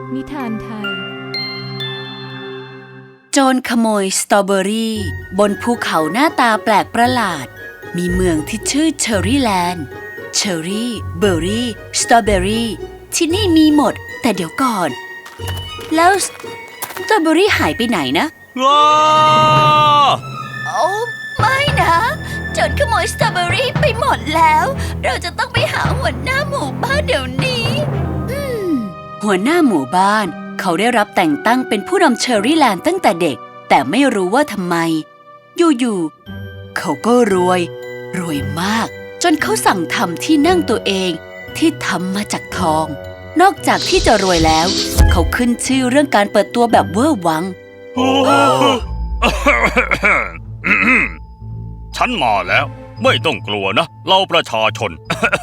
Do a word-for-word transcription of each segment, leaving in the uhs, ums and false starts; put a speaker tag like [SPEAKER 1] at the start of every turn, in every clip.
[SPEAKER 1] นิทานไทย
[SPEAKER 2] โจรขโมยสตรอเบอรี่บนภูเขาหน้าตาแปลกประหลาดมีเมืองที่ชื่อเชอร์รี่แลนด์เชอร์รี่เบอร์รี่สตรอเบอรี่ที่นี่มีหมดแต่เดี๋ยวก่อนแล้วสตรอเบอรี่หายไปไหนนะ
[SPEAKER 3] ว้า
[SPEAKER 2] โอ้ไม่นะโจรขโมยสตรอเบอรี่ไปหมดแล้วเราจะต้องไปหาหัวหน้าหมู่บ้านเดี๋ยวนี้หัวหน้าหมู่บ้านเขาได้รับแต่งตั้งเป็นผู้นำเชอร์รี่แลนด์ตั้งแต่เด็กแต่ไม่รู้ว่าทำไมอยู่ๆเขาก็รวยรวยมากจนเขาสั่งทำที่นั่งตัวเองที่ทำมาจากทองนอกจากที่จะรวยแล้วเขาขึ้นชื่อเรื่องการเปิดตัวแบบเวอร์วัง
[SPEAKER 3] ฉันมาแล้วไม่ต้องกลัวนะเราประชาชน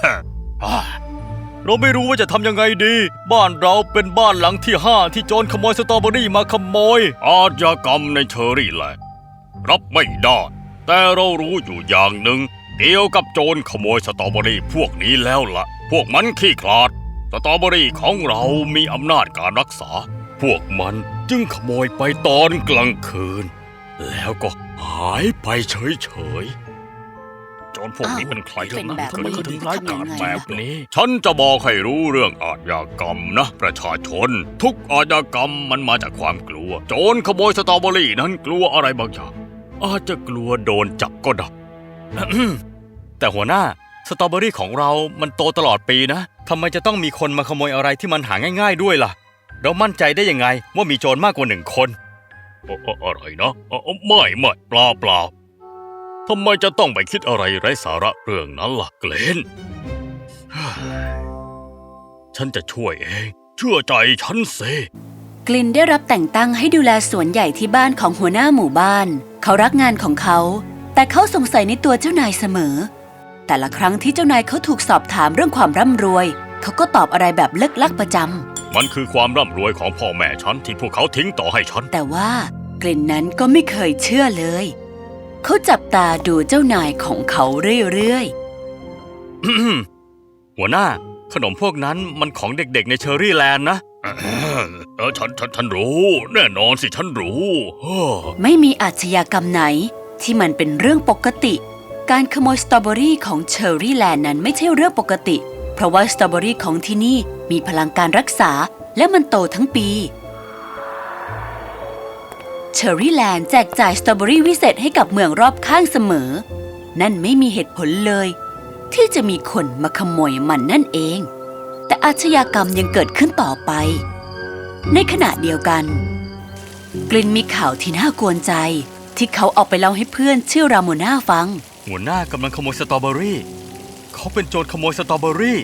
[SPEAKER 3] เราไม่รู้ว่าจะทำยังไงดีบ้านเราเป็นบ้านหลังที่ห้าที่โจรขโมยสตรอเบอรี่มาขโมยอาชญากรรมในเชอร์รี่แลนด์รับไม่ได้แต่เรารู้อยู่อย่างหนึ่งเกี่ยวกับโจรขโมยสตรอเบอรี่พวกนี้แล้วล่ะพวกมันขี้ขลาดสตรอเบอรี่ของเรามีอำนาจการรักษาพวกมันจึงขโมยไปตอนกลางคืนแล้วก็หายไปเฉยๆโจรพวกนี้เป็นใครกันนะทำไมเขาถึงร้ายกาจแบบนี้ฉันจะบอกให้รู้เรื่องอาชญากรรมนะประชาชนทุกอาชญากรรมมันมาจากความกลัวโจรขโมยสตรอเบอรี่นั้นกลัวอะไรบางอย่างอาจจะกลัวโดนจับก็ได้ แต่หัวหน้าสตรอเบอรี่ของเรามันโตตลอดปีนะทำไมจะต้องมีคนมาขโมยอะไรที่มันหาง่ายๆด้วยล่ะเรามั่นใจได้ยังไงว่ามีโจรมากกว่าหนึ่งคนอะไรนะไม่ไม่เปล่าเปล่าทำไมจะต้องไปคิดอะไรไร้สาระเรื่องนั้นล่ะเกรน ฉันจะช่วยเองเชื่อใจฉันสิ
[SPEAKER 2] กลินได้รับแต่งตั้งให้ดูแลสวนใหญ่ที่บ้านของหัวหน้าหมู่บ้านเขารักงานของเขาแต่เขาสงสัยในตัวเจ้านายเสมอแต่ละครั้งที่เจ้านายเขาถูกสอบถามเรื่องความร่ำรวยเขาก็ตอบอะไรแบบเลิกลักประจำ
[SPEAKER 3] มันคือความร่ำรวยของพ่อแม่ฉันที่พวกเขาทิ้งต่อให้ฉัน
[SPEAKER 2] แต่ว่ากลินนั้นก็ไม่เคยเชื่อเลยเขาจับตาดูเจ้านายของเขาเรื่อย
[SPEAKER 3] ๆ หัวหน้าขนมพวกนั้นมันของเด็กๆในเชอร์รี่แลนด์นะเออฉันฉันฉันรู้แน่นอนสิฉันรู้
[SPEAKER 2] ไม่มีอาชญากรรมไหนที่มันเป็นเรื่องปกติการขโมยสตรอเบอรี่ของเชอร์รี่แลนด์นั้นไม่ใช่เรื่องปกติเพราะว่าสตรอเบอรี่ของที่นี่มีพลังการรักษาและมันโตทั้งปีเชอร์รี่แลนด์แจกจ่ายสตรอเบอรี่วิเศษให้กับเมืองรอบข้างเสมอนั่นไม่มีเหตุผลเลยที่จะมีคนมาขโมยมันนั่นเองแต่อาชญากรรมยังเกิดขึ้นต่อไปในขณะเดียวกันกลินมีข่าวที่น่ากวนใจที่เขาเอาไปเล่าให้เพื่อนชื่อราโมนาฟัง
[SPEAKER 3] หัวหน้ากำลังขโมยสตรอเบอรี่เขาเป็นโจรขโมยสตรอเบอรี่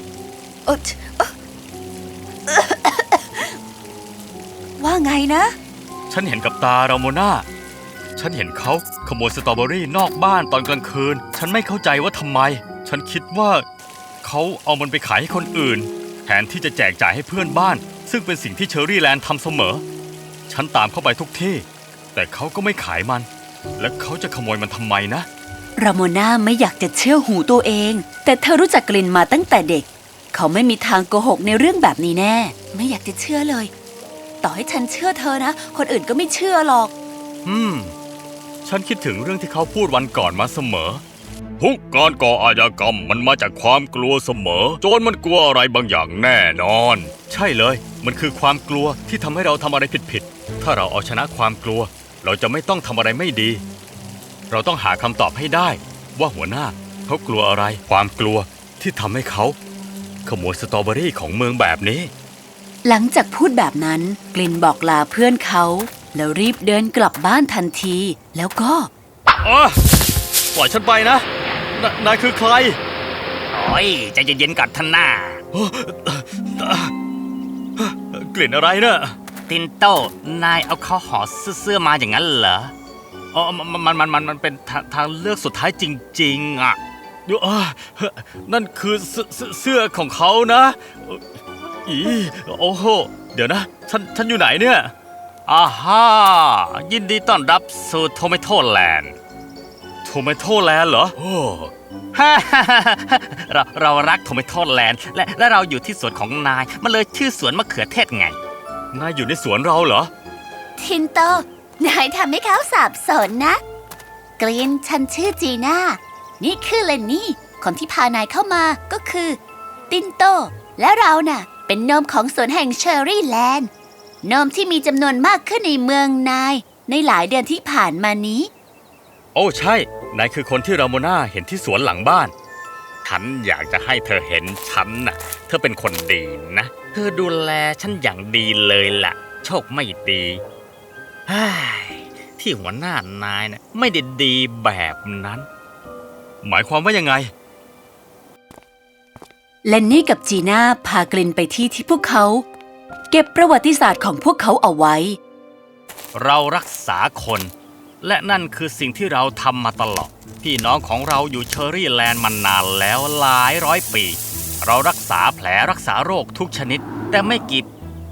[SPEAKER 2] ว่าไงนะ
[SPEAKER 3] ฉันเห็นกับตาราโมนาฉันเห็นเขาขโมยสตรอเบอรี่นอกบ้านตอนกลางคืนฉันไม่เข้าใจว่าทำไมฉันคิดว่าเขาเอามันไปขายให้คนอื่นแทนที่จะแจกจ่ายให้เพื่อนบ้านซึ่งเป็นสิ่งที่เชอร์รี่แลนด์ทำเสมอฉันตามเข้าไปทุกที่แต่เขาก็ไม่ขายมันและเขาจะขโมยมันทำไมนะ
[SPEAKER 2] ราโมนาไม่อยากจะเชื่อหูตัวเองแต่เธอรู้จักกลินมาตั้งแต่เด็กเขาไม่มีทางโกหกในเรื่องแบบนี้แน่ไม่อยากจะเชื่อเลยต่อให้ฉันเชื่อเธอนะคนอื่นก็ไม่เชื่อหรอก
[SPEAKER 3] อืมฉันคิดถึงเรื่องที่เขาพูดวันก่อนมาเสมอทุกการก่ออาชญากรรมมันมาจากความกลัวเสมอโจรมันกลัวอะไรบางอย่างแน่นอนใช่เลยมันคือความกลัวที่ทำให้เราทำอะไรผิดๆถ้าเราเอาชนะความกลัวเราจะไม่ต้องทำอะไรไม่ดีเราต้องหาคำตอบให้ได้ว่าหัวหน้าเขากลัวอะไรความกลัวที่ทำให้เขาขโมยสตรอเบอรี่ของเมืองแบบนี้
[SPEAKER 2] หลังจากพูดแบบนั้นกลินบอกลาเพื่อนเขาแล้วรีบเดินกลับบ้านทันทีแล้วก็
[SPEAKER 3] อ๋อปล่อยฉันไปนะนนายคือใคร
[SPEAKER 4] โอ้ยใจเย็นๆก่อนท่านหน้
[SPEAKER 3] ากลิ่นอะไรเนะ
[SPEAKER 4] ตินโต้นายเอาข้าวห่อเสื้อมาอย่างนั้นเหรอ
[SPEAKER 3] อ๋อมันมันมันมันเป็นทางเลือกสุดท้ายจริงๆอ่ะเดี๋ยวนั่นคือเสื้อของเขานะอีโอ้โหเดี๋ยวนะฉันฉันอยู่ไหนเนี่ย
[SPEAKER 4] อ่าฮ่ายินดีต้อนรับสู่โทเมโทแลนด์
[SPEAKER 3] โทเมโทแลนด์เหรอโอ้
[SPEAKER 4] ฮ่าเราเรารักโทเมโทแลนด์และและเราอยู่ที่สวนของนายมันเลยชื่อสวนมะเขือเทศไง
[SPEAKER 3] นายอยู่ในสวนเราเหรอ
[SPEAKER 2] ทินโต นายทำให้เขาสับสนนะ กรีนฉันชื่อจีน่า นี่คือเลนนี่ คนที่พานายเข้ามาก็คือ ตินโต และเราน่ะ เป็นโนมของสวนแห่งเชอร์รี่แลนด์โนมที่มีจำนวนมากขึ้นในเมืองนาย ในหลายเดือนที่ผ่านมานี้
[SPEAKER 3] โอ้ใช่ นายคือคนที่ราโมนาเห็นที่สวนหลังบ้าน
[SPEAKER 4] ฉันอยากจะให้เธอเห็นฉันน่ะ เธอเป็นคนดีนะ เธอดูแลฉันอย่างดีเลยล่ะ โชคไม่ดีเฮ้ยที่หัวหน้านายน่ะไม่ได้ดีแบบนั้น
[SPEAKER 3] หมายความว่ายังไง
[SPEAKER 2] เลนนี่กับจีน่าพากลินไปที่ที่พวกเขา เก็บประวัติศาสตร์ของพวกเขาเอาไว้
[SPEAKER 4] เรารักษาคน และนั่นคือสิ่งที่เราทำมาตลอด พี่น้องของเราอยู่เชอร์รี่แลนด์มานานแล้วหลายร้อยปี เรารักษาแผลรักษาโรคทุกชนิด แต่ไม่กี่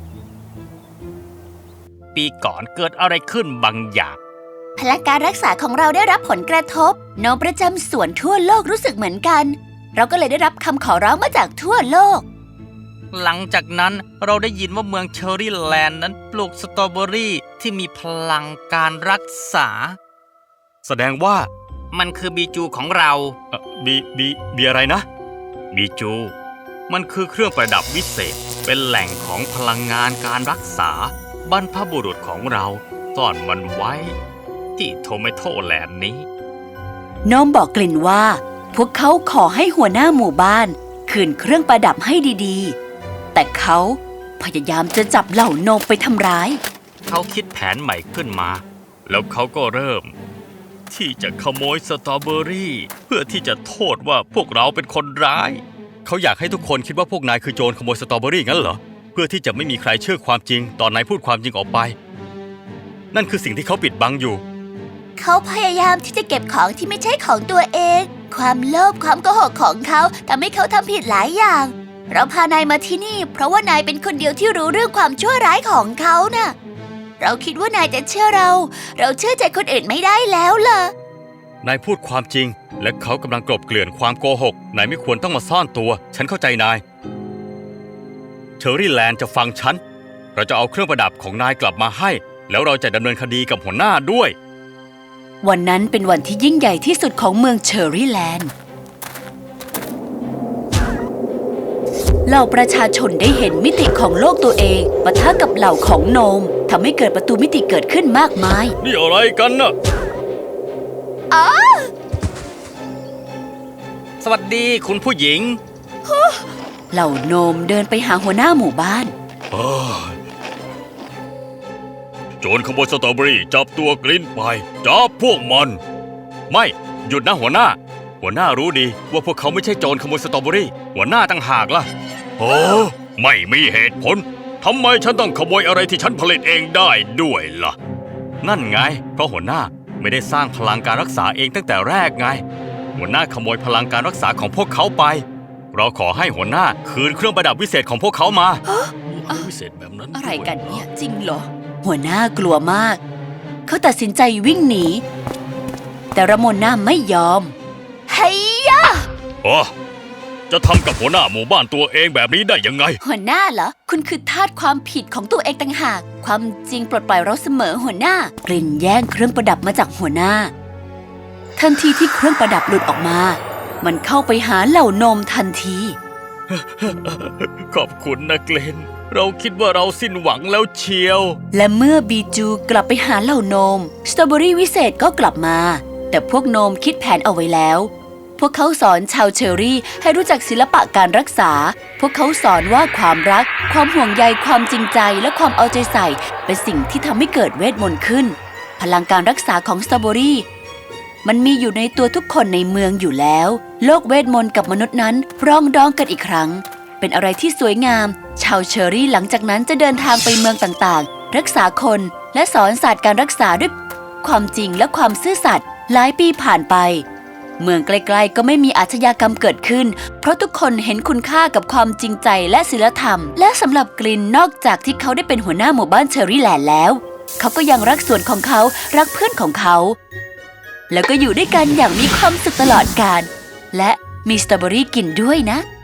[SPEAKER 4] ปีก่อนเกิดอะไรขึ้นบางอย่าง
[SPEAKER 2] พลังการรักษาของเราได้รับผลกระทบโนมประจำสวนทั่วโลกรู้สึกเหมือนกัน เราก็เลยได้รับคำขอร้องมาจากทั่วโลก
[SPEAKER 4] หลังจากนั้นเราได้ยินว่าเมืองเชอร์รี่แลนด์นั้นปลูกสตรอเบอรี่ที่มีพลังการรักษา
[SPEAKER 3] แสดงว่า
[SPEAKER 4] มันคือบีจูของเรา
[SPEAKER 3] เอ่อบีบีบีอะไรนะ
[SPEAKER 4] บีจู มันคือเครื่องประดับวิเศษ เป็นแหล่งของพลังงานการรักษา บรรพบุรุษของเราซ่อนมันไว้ ที่โทเมโทแลนด์นี้
[SPEAKER 2] โนมบอกกลิ่นว่า พวกเขาขอให้หัวหน้าหมู่บ้านคืนเครื่องประดับให้ดีๆ แต่เขาพยายามจะจับเหล่าโนมไปทำร้าย
[SPEAKER 4] เขาคิดแผนใหม่ขึ้นมา แล้วเขาก็เริ่ม ที่จะขโมยสตรอเบอรี่ เพื่อที่จะโทษว่าพวกเราเป็นคนร้าย
[SPEAKER 3] เขาอยากให้ทุกคนคิดว่าพวกนายคือโจรขโมยสตรอเบอรี่งั้นเหรอ เพื่อที่จะไม่มีใครเชื่อความจริงตอนนายพูดความจริงออกไป นั่นคือสิ่งที่เขาปิดบังอยู่
[SPEAKER 2] เขาพยายามที่จะเก็บของที่ไม่ใช่ของตัวเอง ความโลภความโกหกของเขาทำให้เขาทำผิดหลายอย่าง เราพานายมาที่นี่ เพราะว่านายเป็นคนเดียวที่รู้เรื่องความชั่วร้ายของเขาน่ะ เราคิดว่านายจะเชื่อเรา เราเชื่อใจคนอื่นไม่ได้แล้วล่ะ
[SPEAKER 3] นายพูดความจริง และเขากำลังกลบเกลื่อนความโกหก นายไม่ควรต้องมาซ่อนตัว ฉันเข้าใจนาย เชอร์รี่แลนด์จะฟังฉัน เราจะเอาเครื่องประดับของนายกลับมาให้ แล้วเราจะดำเนินคดีกับหัวหน้าด้วย
[SPEAKER 2] วันนั้นเป็นวันที่ยิ่งใหญ่ที่สุดของเมืองเชอร์รี่แลนด์ เหล่าประชาชนได้เห็นมิติของโลกตัวเองปะทะกับเหล่าของโนมทำให้เกิดประตูมิติเกิดขึ้นมากมาย
[SPEAKER 3] นี่อะไรกันน่ะ
[SPEAKER 4] สวัสดีคุณผู้หญิง
[SPEAKER 2] เหล่าโนมเดินไปหาหัวหน้าหมู่บ้าน
[SPEAKER 3] โจรขโมยสตรอเบอรี่จับตัวกลิ้นไป จับพวกมัน ไม่หยุดนะหัวหน้า หัวหน้ารู้ดีว่าพวกเขาไม่ใช่โจรขโมยสตรอเบอรี่ หัวหน้าต่างหากล่ะโอ้ไม่มีเหตุผลทำไมฉันต้องขโมยอะไรที่ฉันผลิตเองได้ด้วยล่ะ นั่นไง เพราะหัวหน้าไม่ได้สร้างพลังการรักษาเองตั้งแต่แรกไง หัวหน้าขโมยพลังการรักษาของพวกเขาไป เราขอให้หัวหน้าคืนเครื่องประดับวิเศษของพวกเขามาวิเศษแบบนั้น
[SPEAKER 2] อะไรกันเนี่ยจริงเหรอ หัวหน้ากลัวมาก เขาตัดสินใจวิ่งหนี แต่ระมนน่าไม่ยอมเฮ้ยยะ
[SPEAKER 3] อ๋อจะทำกับหัวหน้าหมู่บ้านตัวเองแบบนี้ได้ยังไง
[SPEAKER 2] หัวหน้าเหรอ คุณคือทาสความผิดของตัวเองต่างหาก ความจริงปลดปล่อยเราเสมอหัวหน้า กลิ่นแย่งเครื่องประดับมาจากหัวหน้า ทันทีที่เครื่องประดับหลุดออกมา มันเข้าไปหาเหล่านมทันที
[SPEAKER 3] ขอบคุณนะเกลนเราคิดว่าเราสิ้นหวังแล้วเชียว
[SPEAKER 2] และเมื่อบีจูกลับไปหาเหล่าโนมสตรอเบอรี่วิเศษก็กลับมา แต่พวกโนมคิดแผนเอาไว้แล้ว พวกเขาสอนชาวเชอรี่ให้รู้จักศิลปะการรักษา พวกเขาสอนว่าความรัก ความห่วงใย ความจริงใจ และความเอาใจใส่ เป็นสิ่งที่ทำให้เกิดเวทมนต์ขึ้น พลังการรักษาของสตรอเบอรี่มันมีอยู่ในตัวทุกคนในเมืองอยู่แล้ว โลกเวทมนต์กับมนุษย์นั้นปรองดองกันอีกครั้ง เป็นอะไรที่สวยงาม ชาวเชอรี่หลังจากนั้นจะเดินทางไปเมืองต่างๆ รักษาคนและสอนศาสตร์การรักษาด้วยความจริงและความซื่อสัตย์หลายปีผ่านไป เมืองใกล้ๆก็ไม่มีอาชญากรรมเกิดขึ้น เพราะทุกคนเห็นคุณค่ากับความจริงใจและศีลธรรม และสำหรับกลินนอกจากที่เขาได้เป็นหัวหน้าหมู่บ้านเชอรี่แลนด์แล้ว เขาก็ยังรักสวนของเขารักเพื่อนของเขา แล้วก็อยู่ด้วยกันอย่างมีความสุขตลอดกาลและมีสตรอเบอรี่กินด้วยนะ